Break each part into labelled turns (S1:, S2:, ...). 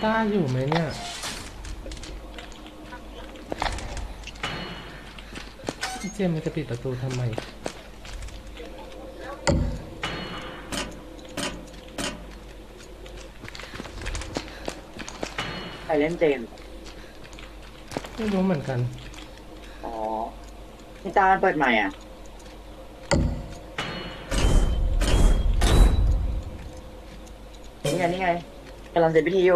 S1: ต้าอยู่ไหมเนี่ยพี่เจมมันจะปิดประตูทำไม
S2: ใครเล่นเจน
S1: ไม่รู้เหมือนกัน
S2: อ๋อพี่ตาเปิดใหม่อ่ะนี่ไงกำลังเสร็จพิธีอยู่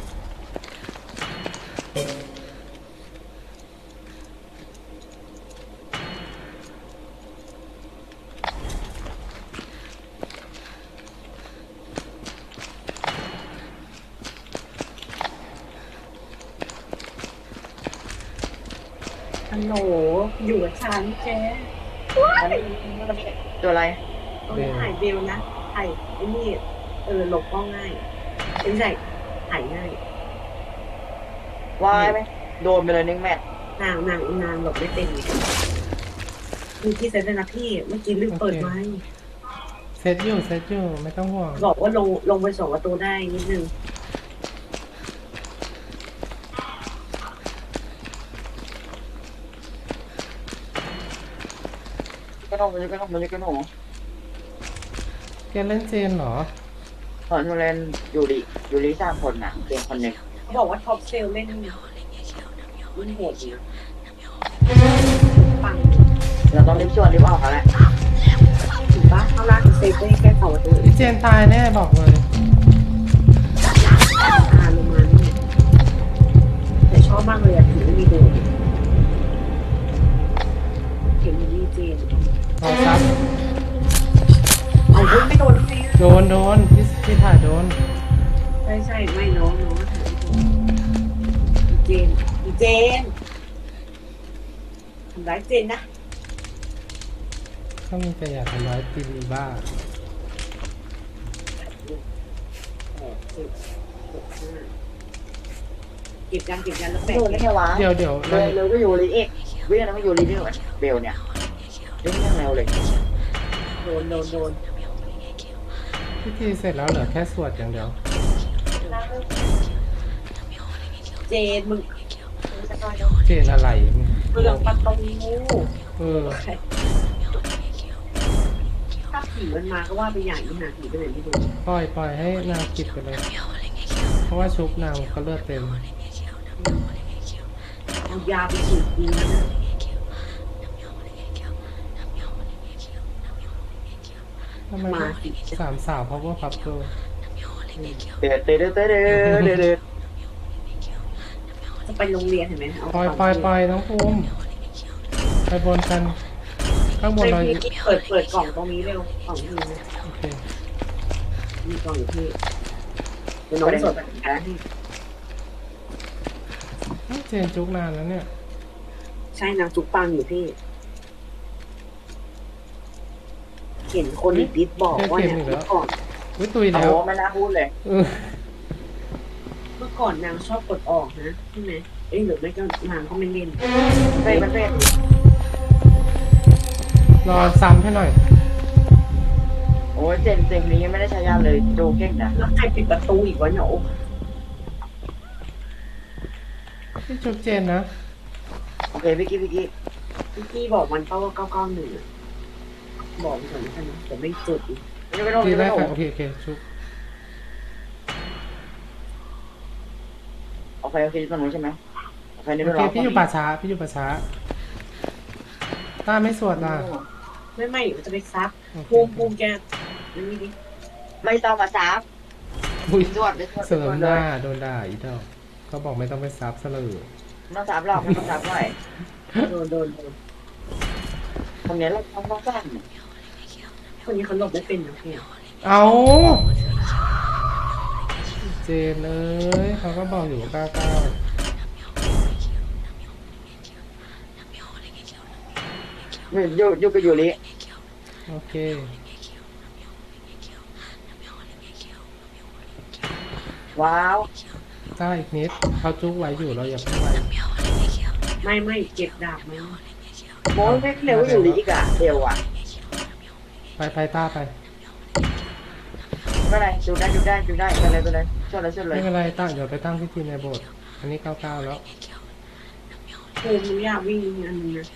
S3: ฮัลโหลอยู่กับฉันแก
S2: ตัวอะไร
S3: ต้องถ่ายเบลนะถ่ายไอ้นี่หลบก็ง่ายไม่ใช่ถ่ายง่ายว
S2: ายไหมโดนไปเลย1 แมตช์
S3: นางหลบไม่เป็นมีที่เซ็ตเลยนะพี่เมื่อกี้ลืมเปิดไว้
S1: เซตอยู่ไม่ต้องห่วง
S3: บอกว่าลงไป2 ประตูได้นิดนึง
S2: ก็ต้องมันก็ต้อง
S1: แกเล่นเจนเหรอ
S2: ตอนเล่นอยู่ดี3 คนน่ะเจนคนหนึ่ง
S3: บอกว่าท็อปเซลเล่นมันโหดอยู่ปัง
S2: เราต้องรีบออกเขาแหละ
S3: ถูกปะเขาลากเซฟได้แค่2 ประตู
S1: พี่เจนตายแน่บอกเลย
S3: ลงมานี่แต่ชอบมากเลยถึงไม่มีโดนเห็นมีเจน
S1: รอซับ
S3: เอาไม่โดน
S1: โดนพี่ถ่ายโดน
S3: ใช่ไม่น้องเจนทำร้ายเจนนะ
S1: ถ้ามีแต่อยากทำร้ายตีนีบ้า
S3: เก็บกันแล้วแบก
S2: โดนได้แค่วะ
S1: เดี๋ยว
S2: เร็วก็อยู่ลีเอกวิ่งแล้วก็อยู่ลีนี่เบลเนี่ยเล่นยังเร็วเลย
S3: โดน
S1: พิธีเสร็จแล้วเหลือแค่สวดอย่างเดียว
S3: เจนมึง
S1: เจนอะไร
S3: เรื่องประตูถ้าผีมันมาก็ว่าไปอย่างนี้หาผีไปไหนไม่รู้
S1: ปล่อยให้นางกิดไปเลยเพราะว่าชุบนางก็เลือดเต็ม
S3: เอายาไปฉีดดีนะ
S1: ทำไม3 สาวเพราะว่าพับเกิล
S2: เดือด
S3: จะไปโรงเรียนเห็นไหม
S1: ปล่อยน้องภูมิไปบนกันข้างบนเรา
S3: เปิดกล่องตรงนี้เร็วกล่องนี้นะ
S1: โอเค
S3: มีกล่องอยู่ที่เดี๋ยวน้องสดไป
S1: นะเจนจุกนานแล้วเนี่ย
S3: ใช่นางจุกปังอยู่พี่เห็นคนดิสบอกว่าเนี่ยเมื่อก่อน
S1: ตุยแล้ว
S2: ไม่น่าพูดเลย
S3: เมื่อก่อนนางชอบกดออกนะใช่ไหมหรือไม่ก็นางก็ไม่เล่น
S2: มันเป็น
S1: รอซ้ำให้หน่อย
S2: โอ้ยเจนนี้ไม่ได้ใช้ยาเลยดูเก่งนะ
S3: แล้วใครปิดประตูอีกวะเนี่ย
S1: พี่จุกเจนนะ
S2: โอเคพี่
S3: กี้บอกมันก็ว่า991บอกมันก่อนนะแต่ไม่จุดอีก
S1: ทีแรกโอเคชุบ
S2: โอเคตรงนู้นใช่ไหมโอเค
S1: พี่อยู่ป่าช้าต้าไม่สวดล่ะ
S3: ไม่จะไปซับภูมิแกนี่ดิ
S2: ไม่ต้องมาซับสวด
S1: เสริมหน้าโดนด่าอีกแล้วเขาบอกไม่ต้องไปซับซะเลย
S2: ไม่ซับหรอกไม่ต้องซับหน่อย
S3: โดน
S2: ตรงนี้เราต้องสร้าง
S3: คนนี้เขาหลบไม่เป็นนะพี่
S1: เอาเจนเลยเขาก็บอกอยู่ว่าก้าว
S2: อยู่กับยูริ
S1: โอเค
S2: ว้าว
S1: ได้อีกนิดเขาจุกไว้อยู่เราอย่าเพิ่งไ
S3: ปไม่เก็บดาบไหม
S2: โม้ไม่เร็วอยู่ริอีกอะเร็วอะ
S1: ไปต้าไป
S2: ไม่เป็นไรดูได้ไปเลยชนเลยชนเล
S1: ไม่
S2: ย
S1: เป็นไรตั้งเดี๋ยวไปตั้งพิธีในโบสถ์อันนี้99แล้ว
S3: ภูมิหนูอยากวิ่งอันนี้นะ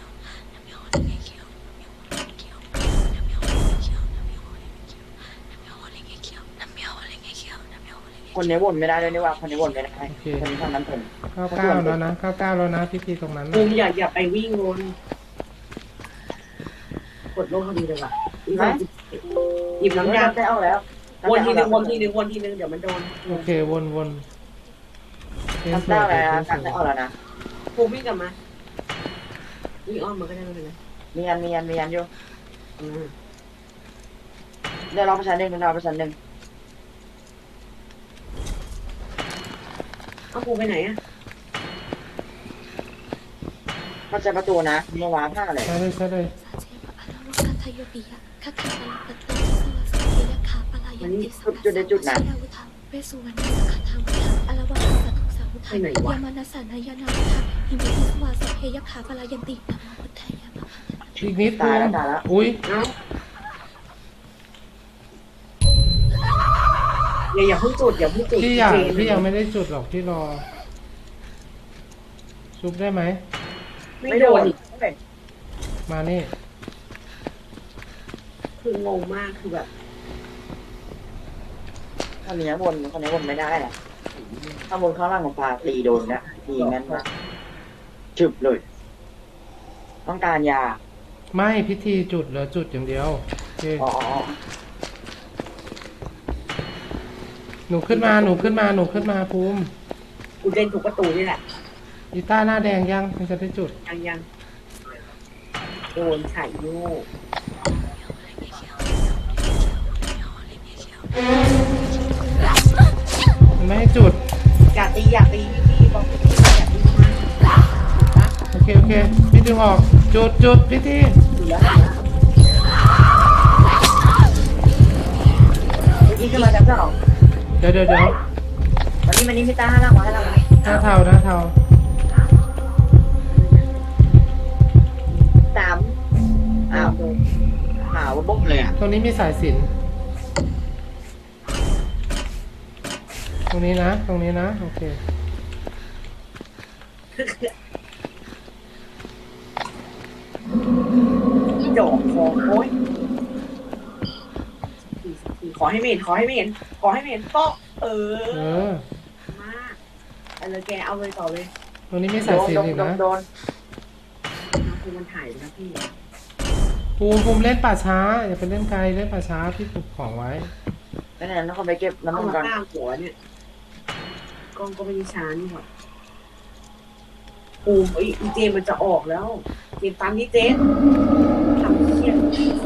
S2: คนนี้วนไม่ได้เลยนี่ว่าคนนี้วนไม่ได้คนนี้ทำนั้นเป็น
S1: 99แล้วนะ99แล้วนะพิธีตรงนั้น
S3: ภู
S1: นะ
S3: มิอย่าไปวิ่งวนกดลงพอดีเลยว่ะหยิบน้ำยา
S2: ได้ออกแล้ว
S3: วนทีนึงวนทีนึงวนทีนึงเดี๋ยวมันโดน
S1: โอเควนเล่น
S2: น้ำ
S1: สว
S2: ได้
S1: ย
S2: แล้ว
S1: เล่นส
S2: ได้
S1: วย
S2: ออกแล้วนะ
S3: ภูมิวิ่งกลับมาวิ่งอ้อมมาก็ได้ไม่เป็นไร
S2: มียันอยู่
S3: อืม
S2: เดี๋ยวเราประชันหนึ่ง
S3: เอาภูมิไปไหนอ่ะ
S2: เข้าใจประตูนะเมื่อวานผ้าเลย
S1: ใช่เลย
S3: ไปไหนวะ
S1: อีกนิด
S2: ตาย
S1: นึ
S2: แล้ว
S1: ง
S2: ตายแล้ว
S1: อุ้ย
S3: เอ้าอย่าเพิ่งจุดอย่าเพิ่งจุด
S1: พี่ยังไม่ได้จุดหรอกพี่รอซุปได้ไหม
S3: ไม่โดนอีก
S1: มานี่
S3: คืองงมากคือแบบ
S2: คนนี้วนไม่ได้แหละถ้าวนข้างล่างของปลาตีโดนนะตีงั้นนะฉึบเลย ต้องการยา
S1: ไม่พิธีจุดเหลือจุดอย่างเดียวโอเค
S2: อ๋อ
S1: หนูขึ้นมาภูมิ
S3: กูเล่นถูกประตูนี่แหละ
S1: อีต้าหน้าแดงยังมันจะได้จุด
S3: ยังโดนไข่โยก
S1: มันไม่ให้จุด
S3: อยากตีพี่บอกพี่อยากตีมาก
S1: โอเคพี่ดึงออกจุดพิธี
S3: อยู่แล้ว
S2: นี่ขึ้นมาจากสอง
S1: เดี๋ยว
S2: วันนี้พี่ตาให้ล่างมา
S1: หน้าเทา
S2: สามอ้าวหาว่าบุ้มเลยอ่ะ
S1: ตรงนี้มีสายสิญจนตรงนี้นะโอเค
S3: อีดอกคอโอ้ยขอให้ไม่เห็นก็เออมากอะไรแกเอาเลยต่อเลย
S1: ตรงนี้มีสายสิญจน์อีกนะ
S2: โดน
S3: คือมันถ่ายนะพี่
S1: ภูมิเล่นป่าช้าอย่าไปเล่นไกลเล่นป่าช้าพี่ปลูกของไว้
S2: นั่นต้องไปเก็บน้ำ
S3: เอา
S2: มัน
S3: มา
S2: ก่อน
S3: ตั้งหัวเนี่ยกล้องก็ไม่ได้ช้านี่หว่าปูมอีเจมันจะออกแล้วเจมตามนี้เจมทำเครียด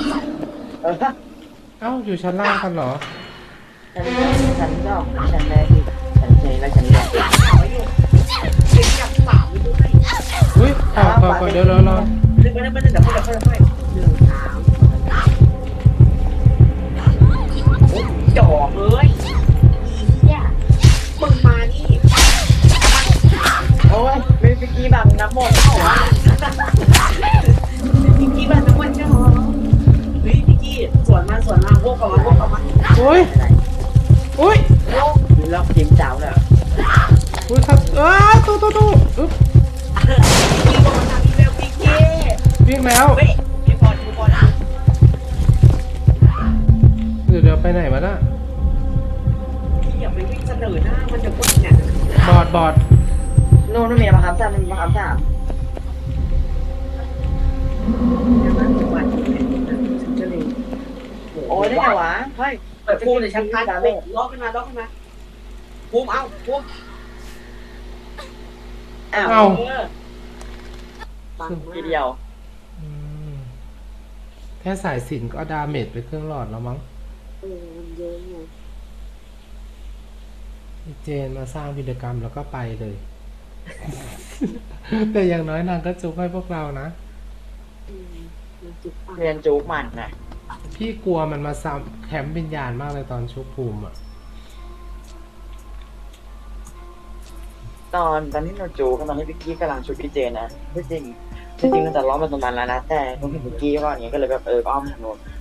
S1: เอ้าอยู่ชั้นล่างกันเหรอ
S2: ฉันก็ฉันแม่ที่ฉันเจแล้วฉันแม่
S3: ถามอยู่เจมอยากสามไปด้วย
S1: อุ้ยก่อนเดี๋ยวรอ
S3: นึกไปเดี๋ยวค่อย1 3จอกเลยเนี่ยมึงมานี่
S2: โอ้ยไม่ไปกี้แบบน้ำมนต์เข้าอ่ะ
S3: พี่กี้บ้านน้ำมันเจ้าเฮ้ยพี่กี้สวนมาพวกออกมา
S1: อุ้ย
S2: โลกแล้วจิ้มจ้าวเลย
S1: อุ้ยครับตู้อึ๊บ
S3: พี่บอกมาทำอีเมลพี่กี้
S1: วิ่งแล้ว
S3: เฮ้ยไม่พอดูบอลนะ
S1: เดี๋ยวไปไหนวะน่ะ
S3: พี่อย่าไปวิ่งเสนอหน้ามันจะพูดเนี่ย
S1: บอด
S2: นู่นมีมาคำสามมาคำสาม
S3: อย่างนั้นทุกวันฉันจะเลย
S2: โอ้ยได้ไงวะเฮ้ย
S3: เปิดพูดเลยชักพัดล็อกขึ้นมาภูมิเอาภูมิ
S2: อ้าว
S1: เอ้า
S3: ปังมา
S2: ทีเดียว
S1: อืมแค่สายสิญจน์ก็ดาเมจไปครึ่งหลอดแล้วมั้ง
S3: มันเยอะไง
S1: เจนมาสร้างวิดีกรรมแล้วก็ไปเลย แต่อย่างน้อยนางก็จุกให้พวกเรานะ
S3: มันจุกปัง
S2: เรียนจู๊กมันนะ
S1: พี่กลัวมันมาซ้ำแคมป์วิญญาณมากเลยตอนชุบภูมิอ่ะ
S2: ตอนที่เราจู๊กันตอนที่พี่กี้กำลังชุดพี่เจนนะจริงมันจะล้อมมาตรงนั้นแล้วนะแต่ตรงที่พี่กี้ก่อนเนี้ยก็เลยแบบอ้อมทางโน้น